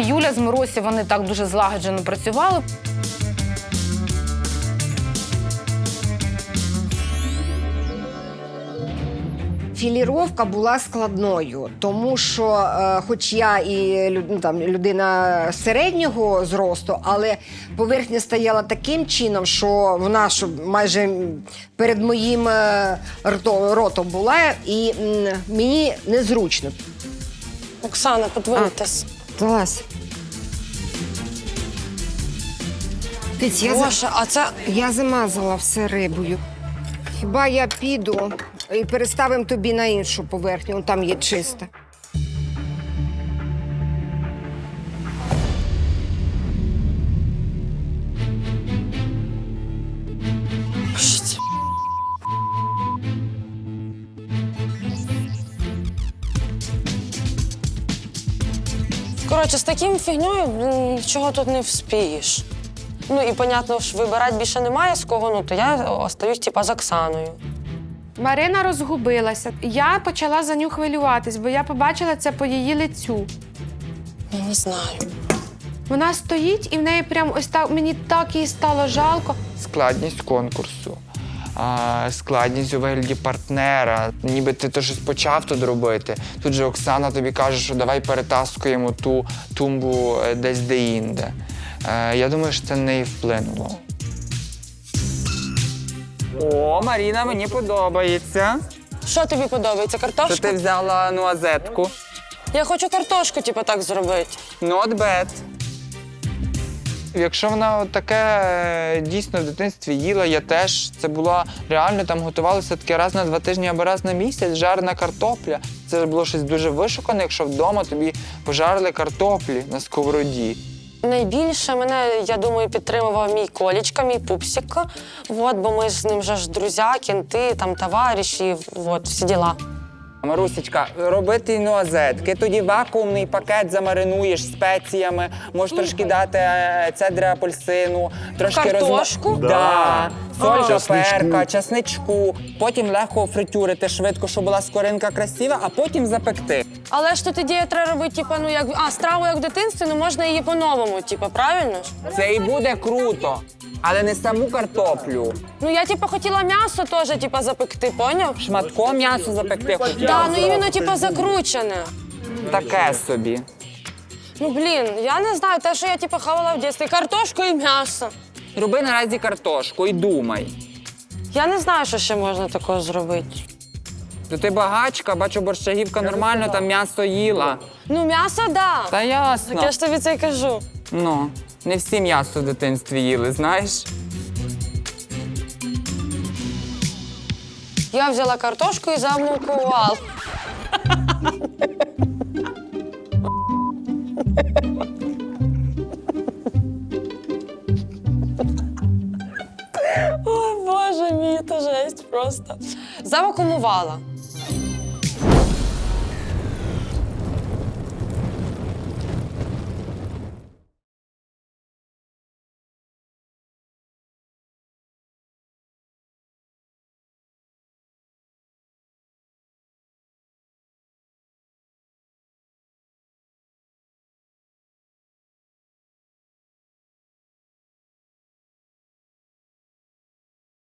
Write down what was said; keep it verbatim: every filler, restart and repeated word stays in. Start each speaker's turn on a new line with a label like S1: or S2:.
S1: Юля з Миросі, вони так дуже злагоджено працювали.
S2: Філіровка була складною, тому що, е, хоч я і лю- ну, там, людина середнього зросту, але поверхня стояла таким чином, що вона що майже перед моїм е, рто- ротом була, і м, мені незручно.
S3: Оксана, подвиньтесь.
S2: Залазь. Тиць, я, за-
S3: Боже, а це...
S2: я замазала все рибою. Хіба я піду і переставимо тобі на іншу поверхню, он там є чиста.
S3: Що це? Коротше, з таким фігньою блін, нічого тут не вспієш. Ну і, понятно, ж вибирати більше немає з кого, ну то я остаюсь, типа, з Оксаною.
S4: Марина розгубилася. Я почала за нього хвилюватись, бо я побачила це по її лицю.
S3: Ну, не знаю.
S4: Вона стоїть і в неї прям ось так, мені так їй стало жалко.
S5: Складність конкурсу, а, складність у вигляді партнера. Ніби ти то щось почав тут робити. Тут же Оксана тобі каже, що давай перетаскуємо ту тумбу е, десь де-інде. Е, Я думаю, що це на неї вплинуло. О, Маріна, мені подобається.
S3: Що тобі подобається,
S5: Що
S3: картошка?
S5: ти взяла нуазетку.
S3: Я хочу картошку, типу, так зробити.
S5: Not bad. Якщо вона от таке е, дійсно в дитинстві їла, я теж. Це було реально, там готувалося таке раз на два тижні або раз на місяць, жарена картопля. Це було щось дуже вишукане, якщо вдома тобі пожарили картоплі на сковороді.
S3: Найбільше мене, я думаю, підтримував мій Колічка, мій пупсик. Вот, бо ми з ним вже ж друзі, кінти, там, товариші, вот, всі діла.
S5: Марусечка, робити нуазетки, тоді вакуумний пакет замаринуєш спеціями, можеш трошки дати е, цедри апельсину, трошки
S3: Картошку?
S5: розма... Да. Соль до
S6: Часничку.
S5: перка, часничку. Потім легко фритюрити швидко, щоб була скоринка красива, а потім запекти.
S3: Але ж тут ідея треба робити, типу, ну, як, а, страву як в дитинстві, ну, можна її по-новому, типу, правильно ж?
S5: Це і буде круто, але не саму картоплю.
S3: Ну, я, типу, хотіла м'ясо теж, типу, запекти, поняв?
S5: Шматком м'ясо запекти хотіла.
S3: Да, ну, іменно, типу, закручене.
S5: Таке собі.
S3: Ну, блін, я не знаю, те, що я, типу, хавала в дитинстві, картошку і м'ясо.
S5: Роби наразі картошку і думай.
S3: Я не знаю, що ще можна такого зробити.
S5: То ти багачка, бачу, борщагівка нормально, там м'ясо їла.
S3: Ну, м'ясо, да.
S5: Та ясно.
S3: Так я ж тобі це й кажу.
S5: Ну, не всі м'ясо в дитинстві їли, знаєш?
S3: Я взяла картошку і замукувала. О, Боже мій, то жесть просто. Завакумувала.